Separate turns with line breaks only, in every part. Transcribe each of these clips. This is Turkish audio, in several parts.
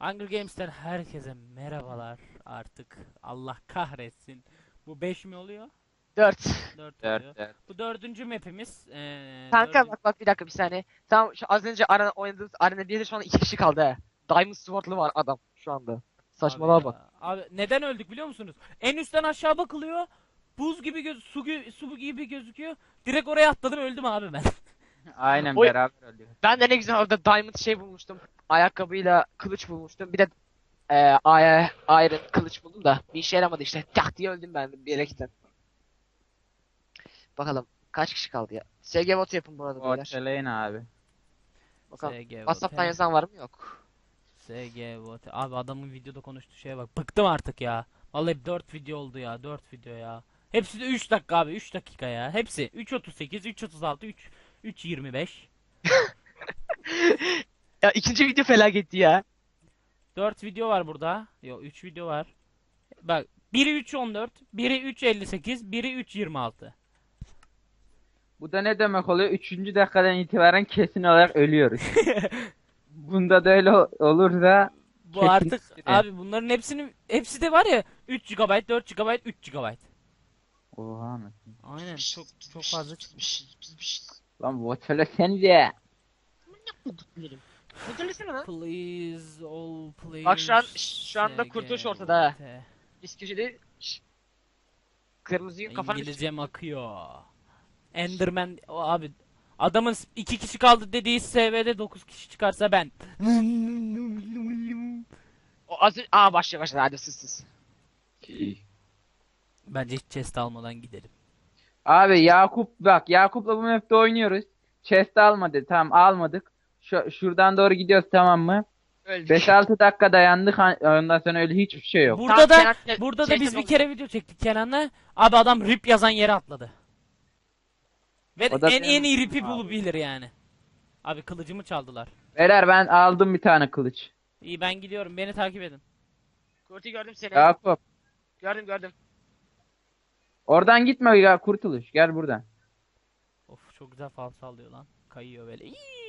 Hunger Games'ten herkese merhabalar artık. Allah kahretsin. Bu 5 mi oluyor?
4.
4
Dört,
oluyor.
dört.
Bu dördüncü map'imiz.
Kanka bak bir dakika bir saniye. Tamam şu az önce oynadığımız arena 1'de şu anda 2 kişi kaldı he. Diamond Sword'lu var adam şu anda.
Abi
Saçmalığa bak.
ya. Abi neden öldük biliyor musunuz? En üstten aşağı bakılıyor. Buz gibi su gibi gözüküyor. Direkt oraya atladım öldüm abi ben.
Aynen
Oy.
beraber ölüyor.
Ben de ne güzel orada Diamond şey bulmuştum. Ayakkabıyla kılıç bulmuştum. Bir de Iron kılıç buldum da bir işe yaramadı işte. Tak diye öldüm ben bir yere gittim. Bakalım kaç kişi kaldı ya. SG vote yapın bu arada beyler.
Ortalayın abi.
Bakalım.
SG
WhatsApp'tan
vote.
yazan var mı? Yok.
SG vote. Abi adamın videoda konuştuğu şeye bak. Bıktım artık ya. Vallahi 4 video oldu ya. 4 video ya. Hepsi de 3 dakika abi. 3 dakika ya. Hepsi 3.38, 3.36, 3.25.
Ya ikinci video felaketti ya.
4 video var burada. Yok 3 video var. Bak biri 3.14, biri 3.58, biri 3.26.
Bu da ne demek oluyor? Üçüncü dakikadan itibaren kesin olarak ölüyoruz. Bunda da öyle olursa
Bu
kesin
artık
süre.
abi bunların hepsi de var ya 3 GB, 4 GB, 3 GB.
Oha anasını.
Aynen çok fazla çıkmış.
Lan ortalasenize.
Please all players.
Bak şu anda
SG
kurtuluş ortada ha.
vote.
Biz köşede kırmızıyı kafanı
İngilizcem akıyor. Enderman o abi adamın 2 kişi kaldı dediği SV'de 9 kişi çıkarsa ben.
O az aa başladı hadi sus.
Bence hiç chest almadan gidelim.
Abi Yakup bak Yakup'la bu map'te oynuyoruz. Chest almadı. Tamam almadık. Şuradan doğru gidiyoruz tamam mı?
Öldük.
5-6 dakika dayandık. Ondan sonra öyle hiçbir şey yok.
Burada
Tamam,
da
Kenan,
burada da
şey
biz bir
yapalım.
kere video çektik Kenan'la. Abi adam rip yazan yere atladı. Ve
O da
en
benim-
iyi ripi bulabilir yani. Abi kılıcımı çaldılar.
Beyler ben aldım bir tane kılıç.
İyi ben gidiyorum. Beni takip edin.
Kurti gördüm seni.
Yakup.
Gördüm.
Oradan gitme ya kurtuluş. Gel buradan.
Of çok güzel fal sallıyor lan. Kayıyor böyle.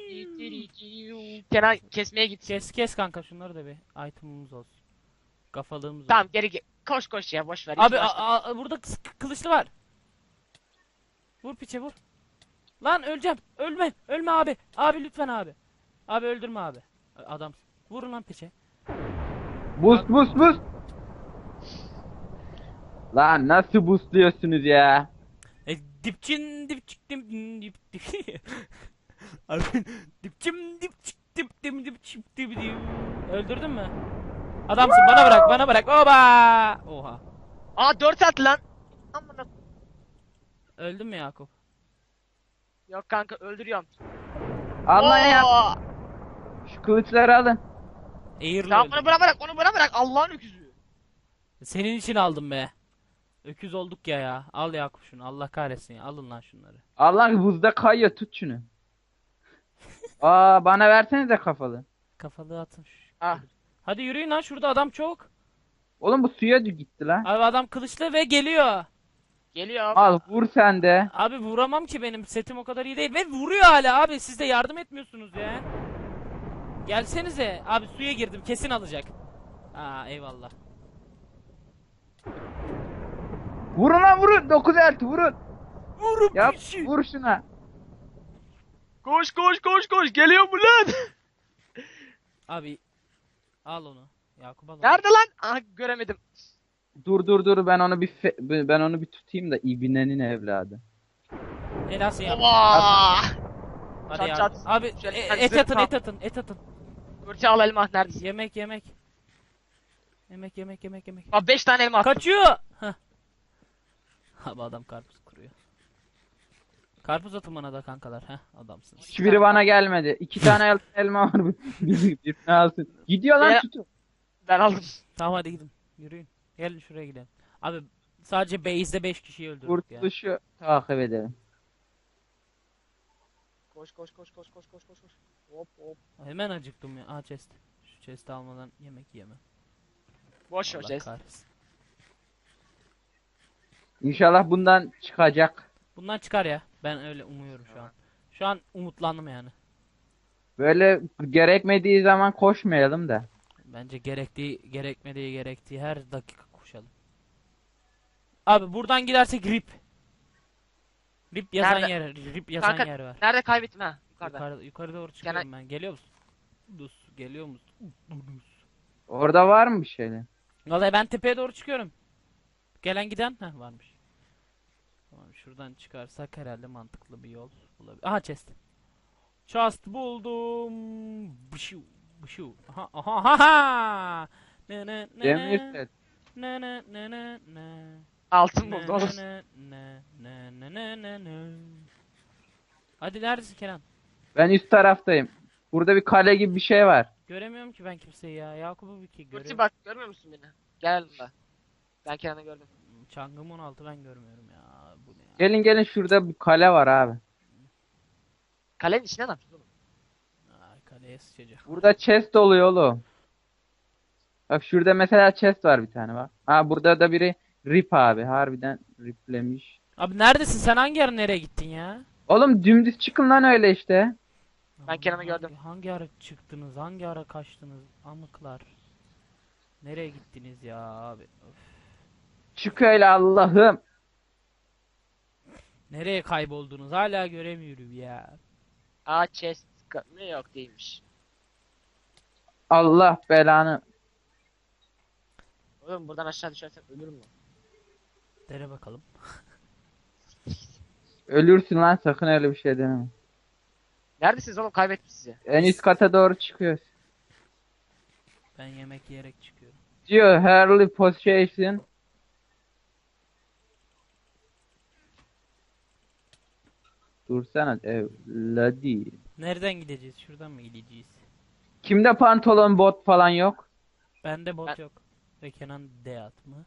Kenan kesmeye git.
Kes kanka şunları da bir item'ımız olsun. Kafalığımız
Tamam
olsun.
geri koş ya boş ver.
Abi
İki başla.
burada kılıçlı var. Vur piçe vur. Lan öleceğim. Ölme abi. Abi lütfen abi. Abi öldürme abi. Adam. Vurun lan piçe.
Boost. Lan nasıl boostluyorsunuz ya?
Dipçin dip. Abi dip. Öldürdün mü? Adamsın bana bırak. Oba! Oha.
Aa 4 at lan. Amına.
Öldün mü Yakup?
Yok kanka öldürüyorum.
Allah ya.
Oo!
Şu kılıçları alın.
Eğirli
Tamam
öldüm.
onu bana bırak Allah'ın öküzü.
Senin için aldım be. Öküz olduk ya. Al Yakup şunu. Allah kahretsin ya. Alın lan şunları.
Allah buzda kayıyor tut şunu. Aa bana versenize kafalı.
Kafalığı atın.
Ah.
Hadi yürüyün lan şurada adam çok.
Oğlum bu suya gitti lan.
Abi adam kılıçlı ve geliyor.
Geliyorum.
Al vur sen de.
Abi vuramam ki benim setim o kadar iyi değil. Ve vuruyor hala abi. Siz de yardım etmiyorsunuz ya. Gelsenize. Abi suya girdim. Kesin alacak. Aa eyvallah.
Vurun lan vurun. 9 elt vurun.
Vurup
Yap vur şuna.
Koş geliyor mu lan?
Abi al onu. Yakup al onu.
Nerede lan? Aha göremedim.
Dur ben onu bir tutayım da ibinenin evladı.
Helalsin ya.
Oba!
Hadi
Çat
yardım.
çat.
Abi
Şöyle
et
zırh
atın
tam.
et atın.
Kurti al elma neredesin?
Yemek.
Aa 5 tane elma attım.
Kaçıyor. Heh. Abi adam karpuz kuruyor. Karpuz atın bana da kankalar. Heh adamsınız.
Hiçbiri bana gelmedi. 2 tane elma var. Birini alsın. Gidiyor lan
Ya-
tutun.
Ben aldım.
Tamam hadi gidin. Yürüyün. Gelin şuraya gidelim. Abi sadece base'de 5 kişiyi öldürdük ya.
Kurtuluşu takip edelim.
Koş. Hop.
Hemen acıktım ya. Aa chest. Şu chest'i almadan yemek yemem.
Boş ver
Allah
Jess.
kahretsin.
İnşallah bundan çıkacak.
Bundan çıkar ya. Ben öyle umuyorum şu an. Şu an umutlandım yani.
Böyle gerekmediği zaman koşmayalım da.
Bence gerekmediği gerektiği her dakika koşalım. Abi buradan gidersek rip. Rip yazan
Nerede?
rip yazan
Kanka,
yer var.
Nerede kaybettim ha? Yukarıda.
Yukarı doğru çıkıyorum ben. Geliyor musun? Geliyor musun?
Orada var mı bir şeyler?
Vallahi ben tepeye doğru çıkıyorum. Gelen giden varmış. Tamam, şuradan çıkarsak herhalde mantıklı bir yol bulabilir. Aha chest. Chest buldum. Bışu bışu. Aha aha aha. Ne ne ne
Demir
ne.
set.
Ne ne ne ne ne.
Altın
Ne
buldu oğlum.
ne ne ne ne ne ne ne. Hadi neredesin Kenan?
Ben üst taraftayım. Burada bir kale gibi bir şey var.
Göremiyorum ki ben kimseyi ya. Yakup'u bir ki
Kurti
görüyorum.
bak, görmüyor musun beni? Gel yanımda. Ben Kenan'ı gördüm.
Çangım 16 ben görmüyorum ya. Bu ne ya?
Gelin gelin, şurada bir kale var abi.
Kalenin içine ne yapıyorsun oğlum?
Ay kaleye sıçacak.
Burada chest oluyor oğlum. Bak şurada mesela chest var bir tane bak. Ha burada da biri rip abi. Harbiden riplemiş.
Abi neredesin sen, hangi ara nereye gittin ya?
Oğlum dümdüz çıkın lan öyle işte.
Ben Kenan'ı gördüm.
Hangi ara çıktınız? Hangi ara kaçtınız? Amıklar. Nereye gittiniz ya abi? Öf.
Çık öyle Allah'ım.
Nereye kayboldunuz? Hala göremiyorum ya.
Aa, chest mı, yok değilmiş.
Allah belanı.
Oğlum buradan aşağı düşersem ölürüm mü?
Dene bakalım.
Ölürsün lan, sakın öyle bir şey deneme.
Neredesiniz oğlum, kaybettim sizi.
En üst kata doğru çıkıyoruz.
Ben yemek yiyerek çıkıyorum.
Diyor Harley Possession. Dursana evladı.
Nereden gideceğiz? Şuradan mı gideceğiz?
Kimde pantolon bot falan yok?
Bende bot
Ben-
yok. Ve Kenan Deyat mı?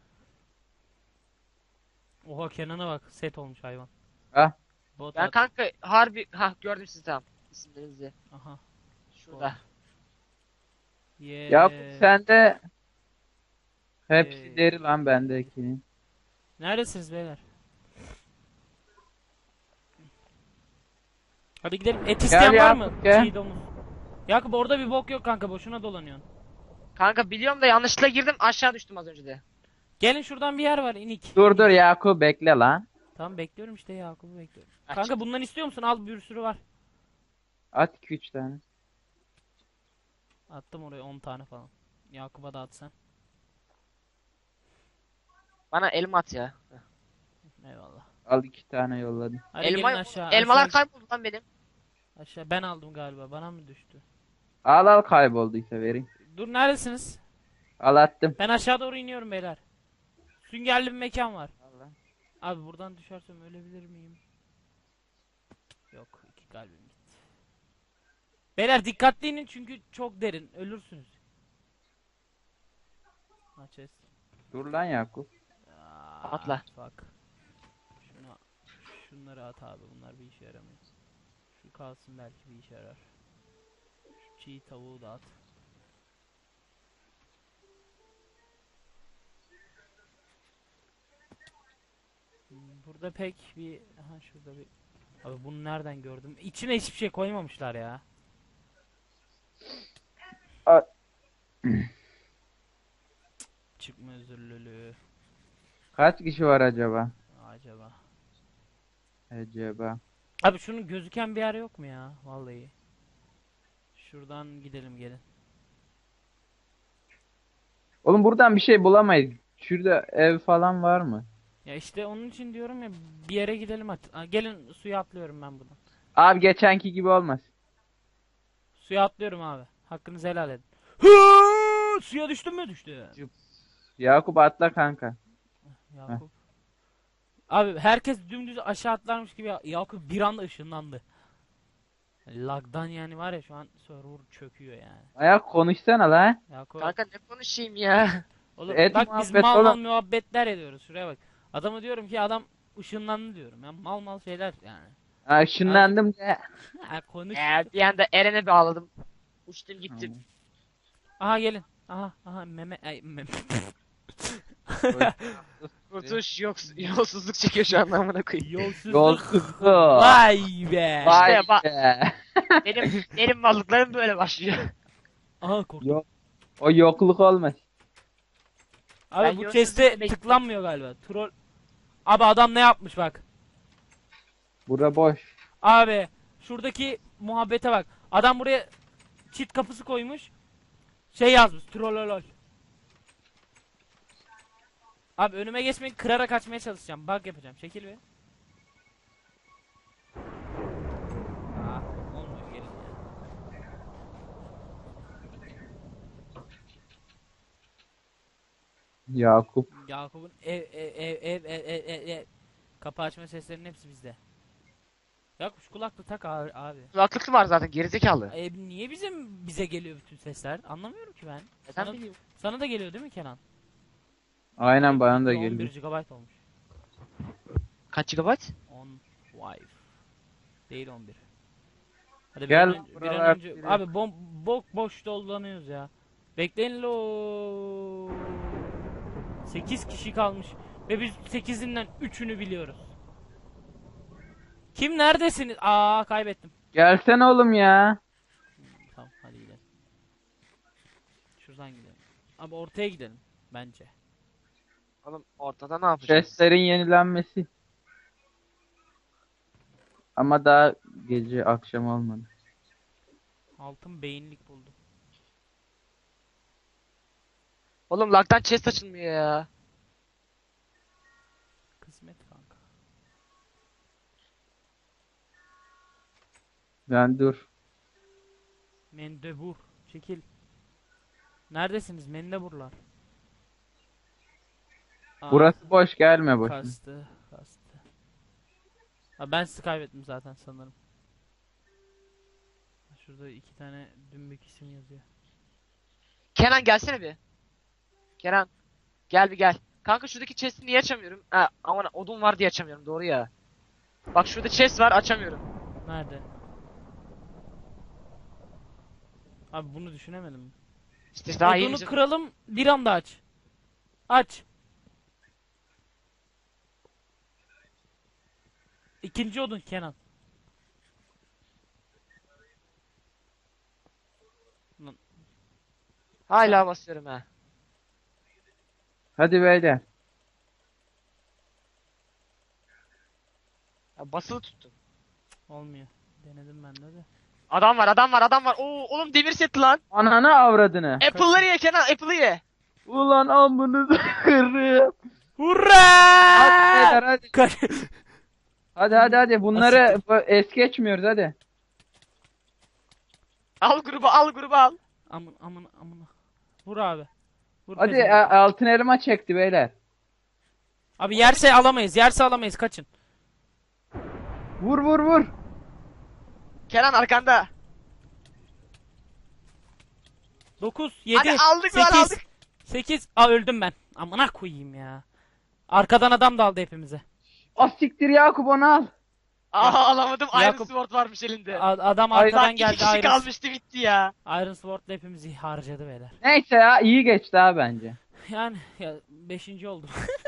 Oha Kenan'a bak, set olmuş hayvan.
Ah.
Bot
Ben
at.
kanka harbi gördüm sizi, tamam. İsimlerinizi.
Aha.
Şurada.
Yeah.
Yakup sende hepsi
Ee,
deri lan bendekinin.
Neredesiniz beyler? Hadi gidelim. Et isteyen
Gel
var mı?
Yakup, gel.
Çiğ domuz. Yakup orada bir bok yok kanka, boşuna dolanıyorsun.
Kanka biliyorum da yanlışlıkla girdim, aşağı düştüm az önce de.
Gelin şuradan bir yer var, inik.
Dur Yakup bekle lan.
Tamam bekliyorum işte, Yakup'u bekliyorum.
Aç.
Kanka bundan istiyor musun? Al, bir sürü var.
At 2-3 tane.
Attım oraya 10 tane falan. Yakup'a da at sen.
Bana elma at ya.
Eyvallah.
Al 2 tane yolladım.
Hadi
Elma,
gelin aşağı.
elmalar
aşağı,
kayboldu lan benim.
aşağı. Ben aldım galiba. Bana mı düştü?
Al kaybolduysa vereyim.
Dur neredesiniz?
Al attım.
Ben aşağı doğru iniyorum beyler. Süngerli bir mekan var.
Allah.
Abi buradan düşersem ölebilir miyim? Yok, 2 kalbim gitti. Beyler dikkatli inin çünkü çok derin. Ölürsünüz. Açız.
Dur lan Yakup.
Atla.
Bak. Şunları at abi. Bunlar bir işe yaramıyor. Şu kalsın, belki bir işe yarar. Şu çiğ tavuğu da at. Burada pek bir... Aha şurada bir... Abi bunu nereden gördüm? İçine hiçbir şey koymamışlar ya.
A-
Çıkma özürlülüğü.
Kaç kişi var acaba?
Acaba.
Acaba.
Abi şunun gözüken bir yer yok mu ya? Vallahi. Şuradan gidelim, gelin.
Oğlum buradan bir şey bulamayız. Şurada ev falan var mı?
Ya işte onun için diyorum ya, bir yere gidelim hadi. Aa, gelin suya atlıyorum ben buradan.
Abi geçenki gibi olmaz.
Suya atlıyorum abi. Hakkınızı helal edin. Hı! Suya düştün mü? Düştü.
Yakup atla kanka.
Yakup. Abi herkes dümdüz aşağı atlarmış gibi Yakup bir anda ışınlandı. Lag'dan yani var ya, şu an server çöküyor yani.
Ayak konuşsana lan.
Yakup.
Kanka ne konuşayım ya?
Oğlum
Et
bak biz
muhabbet
mal mal
oğlum.
muhabbetler ediyoruz. Şuraya bak. Adama diyorum ki adam ışınlandı diyorum. Ya mal mal şeyler yani.
Ha, ışınlandım de.
Ha, konuş.
Bir anda Eren'e bağladım. Uçtum gittim.
Aha gelin. Aha meme ay meme.
Kurtuş yolsuzluk çekiyor şu an, amına koyayım.
Yolsuzluk.
Yolsuzluk.
Vay be.
Vay
İşte bak-
be.
Benim varlıklarım böyle başlıyor.
Aha korktum.
Yol- O yokluk olmaz.
Abi
Ben
bu
görsüz
chest'e
bekliyorum.
tıklanmıyor galiba. Troll. Abi adam ne yapmış bak.
Bura boş.
Abi şuradaki muhabbete bak. Adam buraya çit kapısı koymuş. Şey yazmış. Trollolol. Abi önüme geçmeyin, kırarak açmaya çalışacağım. Bug yapacağım. Çekil bir. Olmuyor, gelin ya.
Yakup.
Yakup'un kapı açma seslerinin hepsi bizde. Yakup şu kulaklığı tak abi.
Kulaklıklı var zaten gerizekalı.
Niye bize geliyor bütün sesler? Anlamıyorum ki ben.
Neden bileyim?
Sana da geliyor değil mi Kenan?
Aynen bana da
11
geliyor.
GB olmuş.
Kaç GB?
10 wife. Değil 11. Hadi
Gel
bir an
buralar
önce
biri.
abi boş dolanıyoruz ya. Bekleyin lo. 8 kişi kalmış ve biz 8'inden 3'ünü biliyoruz. Kim neredesiniz? Kaybettim.
Gelsene oğlum ya.
Tamam hadi gidelim. Şuradan gidelim. Abi ortaya gidelim bence.
Oğlum ortada ne yapacağız?
Chestlerin yenilenmesi. Ama daha gece akşam olmadı.
Altın beyinlik buldum.
Oğlum lag'dan chest açılmıyor ya.
Kısmet kanka.
Ben dur.
Mendebur. Çekil. Neredesiniz mendeburlar?
Burası boş, gelme boşuna.
Kastı. Ben sizi kaybettim zaten sanırım. Şurada 2 tane dümbük isim yazıyor.
Kenan gelsene bir. Kenan. Gel bir gel. Kanka şuradaki chest'i niye açamıyorum? Ha aman odun var diye açamıyorum doğru ya. Bak şurada chest var açamıyorum.
Nerede? Abi bunu düşünemedim.
İşte daha
Odunu
yeni
kıralım, bir anda aç. Aç. İkinci odun Kenan.
hala basıyorum ha.
Hadi beyler.
Ya basılı tuttum.
Olmuyor. Denedim ben de.
Adam var. Oo oğlum demir seti lan.
Ananı avradını.
Apple'ları ye Kenan Apple'ı ye.
Ulan amınızı kırım.
Hurra!
Hadi beyler hadi.
Kaç.
Hadi. Bunları es geçmiyoruz hadi.
Al grubu al.
Amına. Vur abi. Vur
Hadi
pezevenk.
altın elma çekti beyler.
Abi yerse alamayız. Kaçın.
Vur.
Kenan arkanda.
9, 7,
Hadi aldık lan
8.
aldık.
8. Öldüm ben. Amına koyayım ya. Arkadan adam daldı hepimize.
Siktir Yakup, onu al.
Alamadım Iron
Yakup-
Sword varmış elinde.
Adam
Ay,
arkadan
Lan 2
geldi.
kişi kalmıştı bitti ya.
Iron Sword'la hepimizi harcadı beyler.
Neyse ya, iyi geçti ha bence.
Yani ya 5. oldum.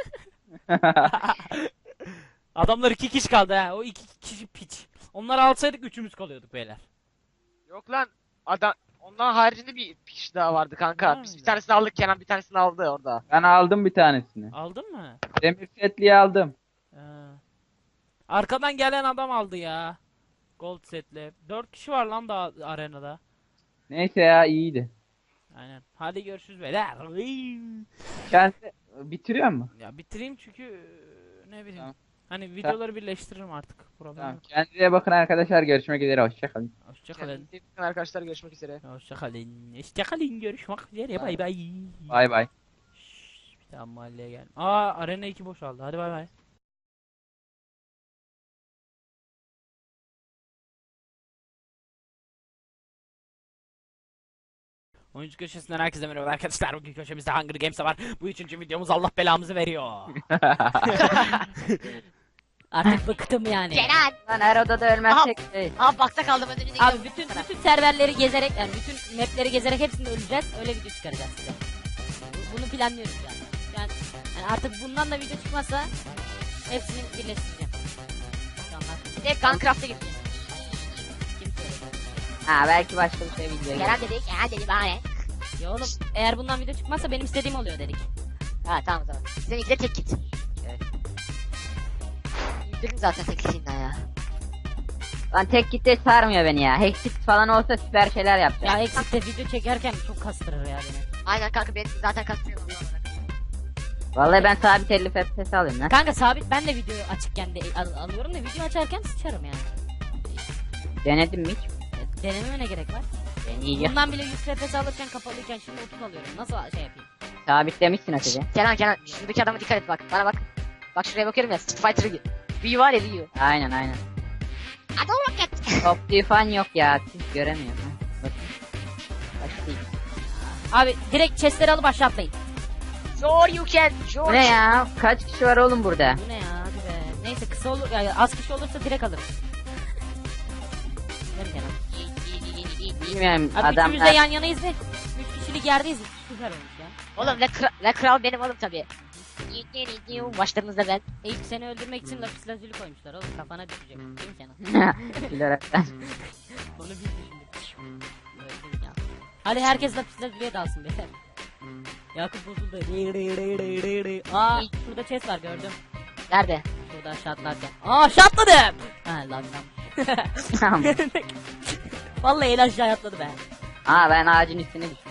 Adamlar 2 kişi kaldı ha. O 2 kişi piç. Onları alsaydık 3'ümüz kalıyorduk beyler.
Yok lan adam ondan haricinde bir kişi daha vardı kanka.
Ha,
Biz bir
güzel.
tanesini aldık Kenan bir tanesini aldı orada.
Ben aldım bir tanesini.
Aldın mı?
Demir setliği aldım.
Ha. Arkadan gelen adam aldı ya. Gold setle. 4 kişi var lan daha arenada.
Neyse ya, iyiydi.
Aynen. Hadi görüşürüz beyler.
Kendi bitiriyor mu?
Ya bitireyim çünkü ne bileyim.
Tamam.
Hani videoları birleştiririm artık. Problem
Tamam.
yok.
Kendinize bakın arkadaşlar. Görüşmek üzere. Hoşçakalın.
Hoşçakalın.
Kendinize iyi bakın arkadaşlar görüşmek üzere.
Hoşçakalın. Görüşmek üzere. Bay bay.
Bay bay.
Bir daha mahalleye gel. Arena 2 boşaldı. Hadi bay bay. Oyuncu köşesinden herkese merhaba arkadaşlar. Bugün köşemizde Hunger Games var. Bu 3. videomuz, Allah belamızı veriyor.
Artık bıktım yani.
Kenan.
Lan her odada ölmezsek
Aa bakta kaldım önünü
Abi bütün serverleri gezerek yani bütün mapleri gezerek hepsini öleceğiz. Öyle video çıkaracağız size. Bunu planlıyoruz yani. Yani artık bundan da video çıkmazsa hepsini birleştireceğim. İnşallah.
Bir de Guncraft'a gittim.
Kim söyledi? Ha belki başka bir şey video.
Kenan dedi bana ne?
Ya oğlum eğer bundan video çıkmazsa benim istediğim oluyor dedik.
Ha tamam o zaman. Seninki de tek git.
Evet.
Yükledim zaten tek gitinden ya.
Lan tek gitti sarmıyor beni ya. Hexit falan olsa süper şeyler yapacağım.
Ya Exit'te video çekerken çok kastırır ya beni.
Aynen kanka benim zaten kastırıyor.
Vallahi ben sabit 50 FPS alayım lan.
Kanka sabit ben de videoyu açıkken de alıyorum da video açarken sıçarım yani.
Denedim mi hiç?
Denememe ne gerek var?
Deneyeceğim.
Bundan bile 100 FPS alırken kapalıyken şimdi 30 alıyorum. Nasıl şey yapayım?
Sabitlemişsin Hatice.
Kenan şuradaki adama dikkat et bak. Bana bak. Bak şuraya bakıyorum ya. Street Fighter gibi. View var ya view.
Aynen.
Hadi o vakit.
Optiği fan yok ya. Siz göremiyorum. Ha. Bakın. Başlayayım.
Abi direkt chestleri alıp aşağı atlayın.
Sure you can.
Bu
Sure.
ne ya? Kaç kişi var oğlum burada?
Bu ne ya hadi be. Neyse kısa olur ya az kişi olursa direkt alırım. Ver Kenan.
Bilmiyorum
Abi
adam.
üçümüz de yan yanayız ve 3 kişilik yerdeyiz. Süper olmuş ya.
Oğlum ve kral benim oğlum tabi. Başlarınızda ben.
İlk seni öldürmek için lapis lazuli koymuşlar oğlum kafana düşecek. Değil mi Kenan?
Bilerekten.
Onu biz düşündük. Öldürdük ya. Hadi herkes lapis lazuliye dalsın beyler. Yakup bozuldu. Aa şurada chest var gördüm.
Nerede?
Şurada aşağı atlarken. Aa aşağı atladım. Ha lan
Tamam.
Vallahi el aşağı atladı be.
Aa ben ağacın üstüne düştüm.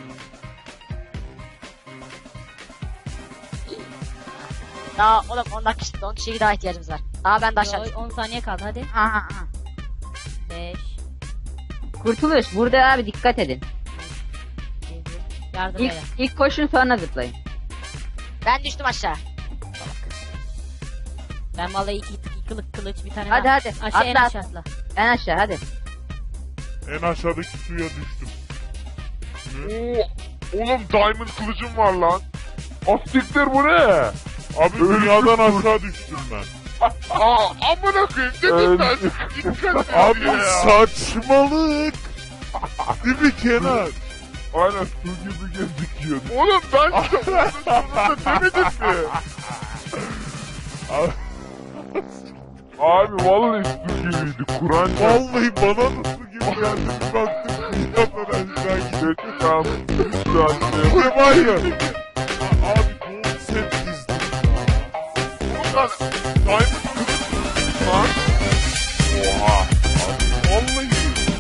Daha oğlum 10 kişiye daha ihtiyacımız var. Aa ben de aşağı.
Yo, 10 saniye kaldı hadi.
Aha.
5
Kurtuluş burada abi dikkat edin.
7 Yardım
İlk,
beyler.
ilk koşun sonra zıplayın.
Ben düştüm aşağı.
Ben vallahi iki kılıç bir tane
Hadi,
daha.
hadi.
Aşağı en
Atla,
aşağı atla.
En aşağı hadi.
En aşağıdaki suya düştüm. Oo, oğlum diamond kılıcım var lan. Astiktir bu ne? Abi dünyadan aşağı düştüm ben. Aa, amına koyayım dedim ben. Dikkat abi saçmalık. Değil mi Kenan? Aynen su gibi gözüküyor. Oğlum ben sonunda demedim mi? Abi vallahi su gibiydi. Kur'an vallahi bana da su gibi geldi. Bir baktım dünyadan aşağı gidiyor. Tamam. Ne var ya? Abi gold set dizdim ya. Ulan diamond kılıç lan. Oha. Abi vallahi.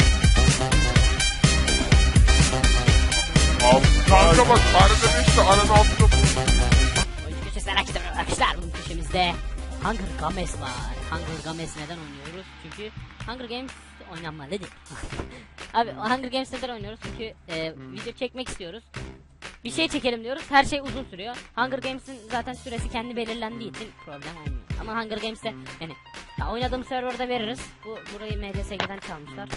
Abi kanka bak arada 5 de aranın altında
Oyuncu köşesi merak etmeyin arkadaşlar. Bunun köşemizde Hunger Games var. Hunger Games neden oynuyoruz? Çünkü Hunger Games oynanmalıdır. Abi Hunger Games neden oynuyoruz? Çünkü video çekmek istiyoruz. Bir şey çekelim diyoruz. Her şey uzun sürüyor. Hunger Games'in zaten süresi kendi belirlendiği için problem olmuyor. Ama Hunger Games'te yani ya oynadığım serverda veririz. Burayı MCSG'den çalmışlar.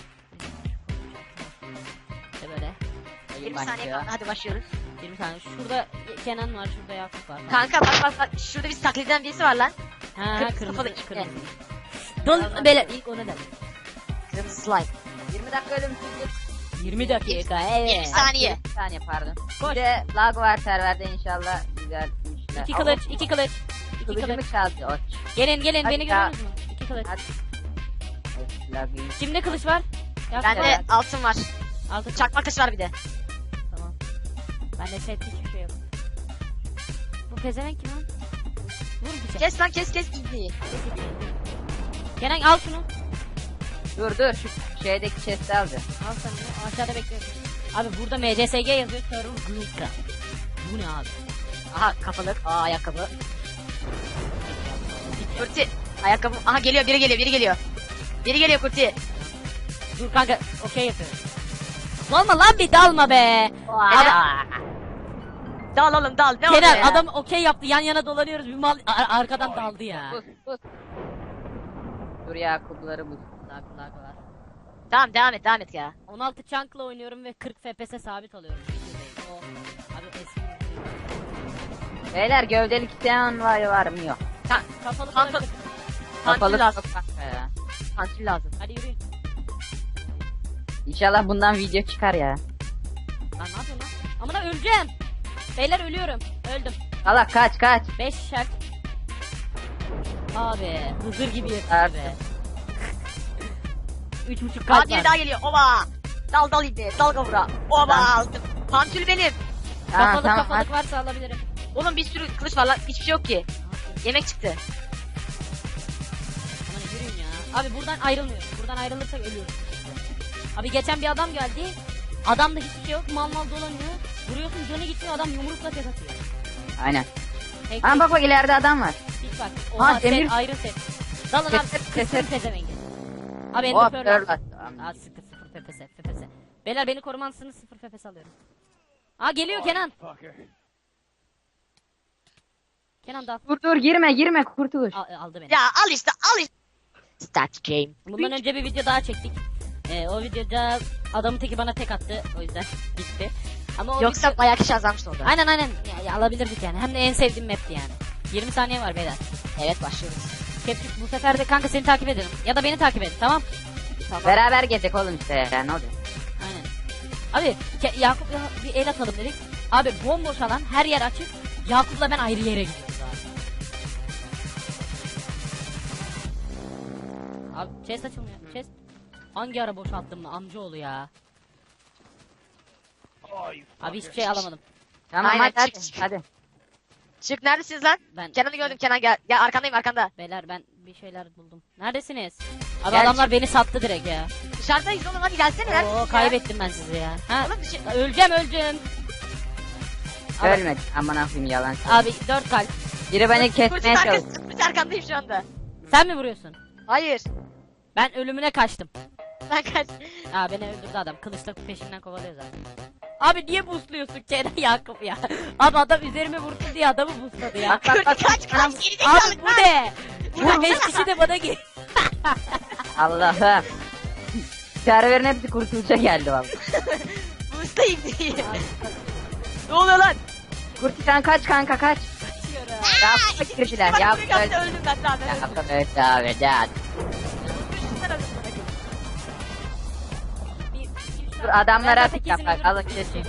İşte böyle
20 saniye kaldı hadi başlıyoruz.
20 tane. Şurada Kenan var, şurada Yakup var.
Kanka bak şurada bir taklit eden birisi var lan.
Ha,
Kırmızı
kırmızı
kafalı ipne.
kırmızı. Dol beyler ilk ona da.
Kırmızı slime.
20 dakika ölümsüzlük.
20 dakika
20
evet.
saniye.
20 saniye pardon.
Koş.
Bir de lag var serverde inşallah güzel işler.
2 kılıç, 2 kılıç. 2
Kılıcımı
kılıç.
çaldı o.
Gelin
Hadi
beni
ya.
görüyorsunuz mu? 2 kılıç.
Hadi. Lag'ı.
Kimde kılıç var? Yakup
Bende
var.
altın var.
Altı
Çakma kılıç var bir de.
Tamam. Bende set hiçbir şey yok. Bu pezevenk kim lan? Vur bir şey.
Kes lan kes ibneyi.
Kenan al şunu.
Dur şu şeydeki chest'i aldı.
Al sen bunu. Aşağıda bekliyorum. Abi burada MCSG yazıyor. Server Gloomcraft. Bu ne abi?
Aha kafalık. Aa ayakkabı. Kurti. Ayakkabı. Aha geliyor biri geliyor. Biri geliyor Kurti.
Dur kanka okey yapıyorum. Dalma lan bir dalma be.
Dal oğlum dal. Ne oldu
Kenan
ya?
adam okey yaptı yan yana dolanıyoruz bir mal arkadan daldı ya.
Bus. Dur Yakupları bus.
Lag var.
Tamam devam et ya.
16 chunk'la oynuyorum ve 40 FPS sabit alıyorum. O abi eski.
Beyler gövdelik isteyen var mı yok.
Kapalı
Kanka-
kalabilir.
Pantil
Kapalı
lazım.
çok kanka ya.
Pantil lazım.
Hadi yürüyün.
İnşallah bundan video çıkar ya.
Lan ne yapıyorsun lan? Amına öleceğim. Beyler ölüyorum. Öldüm.
Allah kaç.
5 şart. Abi hızır gibi yapıyor
Artık.
be. 3.5
Aa
kalp
biri
var.
daha geliyor. Oba. Dal ibne. Dal kavura. Oba
Lan.
aldım. Pantül benim.
Tamam
Kafalık
tamam.
kafalık varsa alabilirim.
Oğlum bir sürü kılıç var lan. Hiçbir şey yok ki. Yemek çıktı.
Aman yürüyün ya. Abi buradan ayrılmıyoruz. Buradan ayrılırsak ölüyoruz. Abi geçen bir adam geldi. Adamda hiçbir şey yok. Mal mal dolanıyor. Vuruyorsun canı gitmiyor. Adam yumrukla tek atıyor.
Aynen.
Tek
Ama bak ileride adam var.
hiç bak.
Ha,
Oha
demir-
set, ayrı set. Dalın abi. Kısır pezevengi. Abi
Hop
ender
pearl
pearl.
attı.
Aa sıfır FPS. FPS. Beyler beni korumansınız, sıfır FPS alıyorum. Aa geliyor Kenan. Kenan da
Dur girme kurtuluş.
aldı beni.
Ya al işte al işte. Start game.
Bundan önce bir video daha çektik. O videoda adamın teki bana tek attı. O yüzden gitti. Ama o
Yoksa
video...
bayağı kişi azalmıştı orada.
Aynen. Ya, alabilirdik yani. Hem de en sevdiğim map'ti yani. 20 saniye var beyler.
Evet başlıyoruz.
Capture bu sefer de kanka seni takip edelim. Ya da beni takip edin tamam.
Beraber gezecek oğlum işte ya ne olacak?
Aynen. Abi Yakup'la bir el atalım dedik. Abi bomboş alan her yer açık. Yakup'la ben ayrı yere gidiyoruz abi. Abi chest açılmıyor. Chest. Hangi ara boşalttım mı amcaoğlu ya. Abi hiçbir şey alamadım.
Tamam
Aynen,
hadi
çık.
hadi.
Çık neredesiniz lan?
Ben
Kenan'ı gördüm Kenan gel. Ya arkandayım arkanda.
Beyler ben bir şeyler buldum. Neredesiniz? Abi
Gel
adamlar beni sattı direkt ya.
Dışarıdayız oğlum hadi gelsene neredesin
Oo
ya?
kaybettim ben sizi ya. Ha?
Oğlum dışı...
Öleceğim. Abi,
Ölmedi. Aman akıyım yalan.
abi 4 kalp.
Biri beni kesmeye
Kurtun
çalıştı.
arkasında arkandayım şu anda.
Sen mi vuruyorsun?
Hayır.
Ben ölümüne kaçtım.
Ben kaç.
Aa beni öldürdü adam. Kılıçla peşinden kovalıyor zaten. Abi niye boostluyorsun Kenan Yakup ya? Abi adam üzerime vurdu diye adamı boostladı ya.
Bak, bak,
Kaç
Anam-
gerizekalı
Abi bu ne? Burada 5 kişi de bana gel.
Allah'ım. Serverin hepsi kurtuluşa geldi valla.
Boostayım diye. Ne oluyor lan?
Kurti sen kaç kanka kaç.
Kaçıyorum.
Yakup girdiler.
Bak
Yakup
buraya
öldü.
geldi öldüm ben daha ben öldüm.
Yakup öldü abi gel.
Düşünsene öldüm bana.
Dur adamlara
Ben
atıp
zaten
yap
kesin
bak
ölürüm.
alın kesin.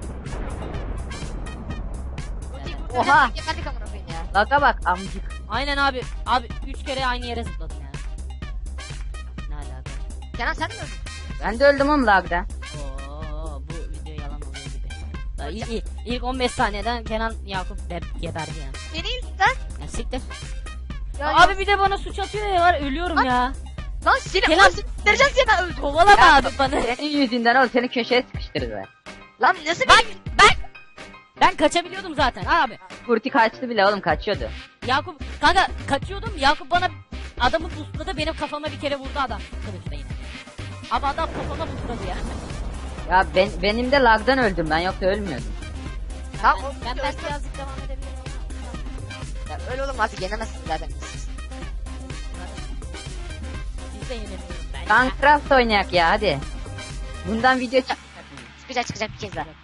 Oha.
Oha.
Geberdik amına koyayım ya.
Laga bak amcık.
Aynen abi. Abi 3 kere aynı yere zıpladım ya. Ne alaka?
Kenan sen de mi öldün?
Ben de öldüm oğlum lagda.
Oo bu video yalan oluyor gibi. Daha ilk 15 saniyeden Kenan Yakup geberdi yani.
Beni lan.
Ya siktir.
Ya,
Abi bir de bana suç atıyor ya var ölüyorum ya.
Lan seni
Kenan-
Kenan... vereceğiz diye ben öldüm.
Kovalama
Ya,
abi bana.
Senin yüzünden oğlum seni köşeye sıkıştırdılar.
Lan nasıl
Bak
benim?
ben kaçabiliyordum zaten abi.
Kurti kaçtı bile oğlum kaçıyordu.
Yakup kanka kaçıyordum. Yakup bana adamı boostladı benim kafama bir kere vurdu adam. Kılıçla yine. Abi adam kafama boostladı ya.
Ya benim de lagdan öldüm ben yoksa ölmüyordum.
Tamam,
Ben,
oğlum,
ben
öldüm.
belki birazcık devam edebilirim.
Ya öyle oğlum artık yenemezsin zaten.
Siz de yenemiyoruz ben ya.
Minecraft oynayak ya hadi. Bundan video çık.
Çıkacak bir kez daha.